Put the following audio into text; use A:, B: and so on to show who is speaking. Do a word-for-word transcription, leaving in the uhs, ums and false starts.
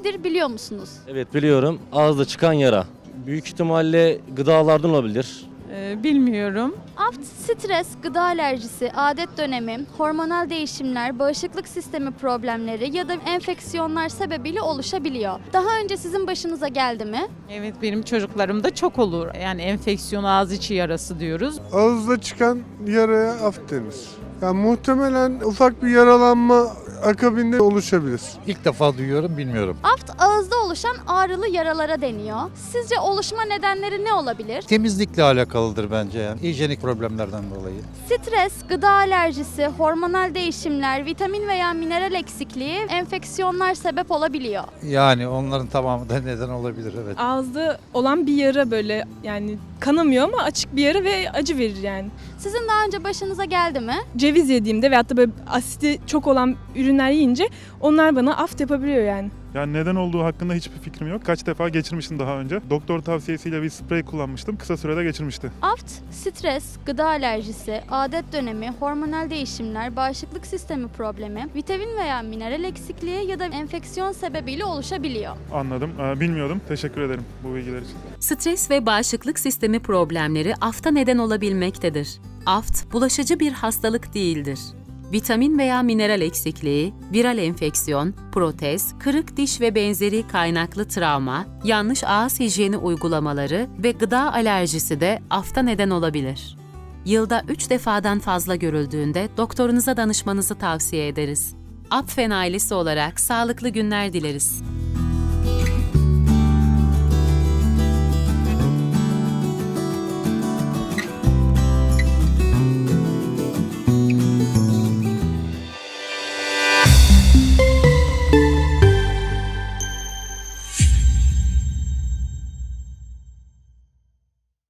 A: nedir biliyor musunuz?
B: Evet biliyorum. Ağızda çıkan yara. Büyük ihtimalle gıdalardan olabilir.
C: Ee, bilmiyorum.
A: Aft, stres, gıda alerjisi, adet dönemi, hormonal değişimler, bağışıklık sistemi problemleri ya da enfeksiyonlar sebebiyle oluşabiliyor. Daha önce sizin başınıza geldi mi?
C: Evet, benim çocuklarımda çok olur. Yani enfeksiyon, ağız içi yarası diyoruz.
D: Ağızda çıkan yaraya aft denir. Yani muhtemelen ufak bir yaralanma akabinde oluşabilir.
E: İlk defa duyuyorum, bilmiyorum.
A: Aft, ağızda oluşan ağrılı yaralara deniyor. Sizce oluşma nedenleri ne olabilir?
E: Temizlikle alakalıdır bence yani. Hijyenik problemlerden dolayı.
A: Stres, gıda alerjisi, hormonal değişimler, vitamin veya mineral eksikliği, enfeksiyonlar sebep olabiliyor.
E: Yani onların tamamı da neden olabilir, evet.
F: Ağızda olan bir yara, böyle yani kanamıyor ama açık bir yara ve acı verir yani.
A: Sizin daha önce başınıza geldi mi?
F: Ceviz yediğimde veyahut da böyle asidi çok olan ürünler yiyince onlar bana aft yapabiliyor yani.
G: Yani neden olduğu hakkında hiçbir fikrim yok. Kaç defa geçirmiştim daha önce. Doktor tavsiyesiyle bir sprey kullanmıştım. Kısa sürede geçirmişti.
A: Aft, stres, gıda alerjisi, adet dönemi, hormonal değişimler, bağışıklık sistemi problemi, vitamin veya mineral eksikliği ya da enfeksiyon sebebiyle oluşabiliyor.
G: Anladım. Ee, bilmiyordum. Teşekkür ederim bu bilgiler için.
H: Stres ve bağışıklık sistemi problemleri afta neden olabilmektedir. Aft, bulaşıcı bir hastalık değildir. Vitamin veya mineral eksikliği, viral enfeksiyon, protez, kırık diş ve benzeri kaynaklı travma, yanlış ağız hijyeni uygulamaları ve gıda alerjisi de afta neden olabilir. Yılda üç defadan fazla görüldüğünde doktorunuza danışmanızı tavsiye ederiz. Apfen ailesi olarak sağlıklı günler dileriz.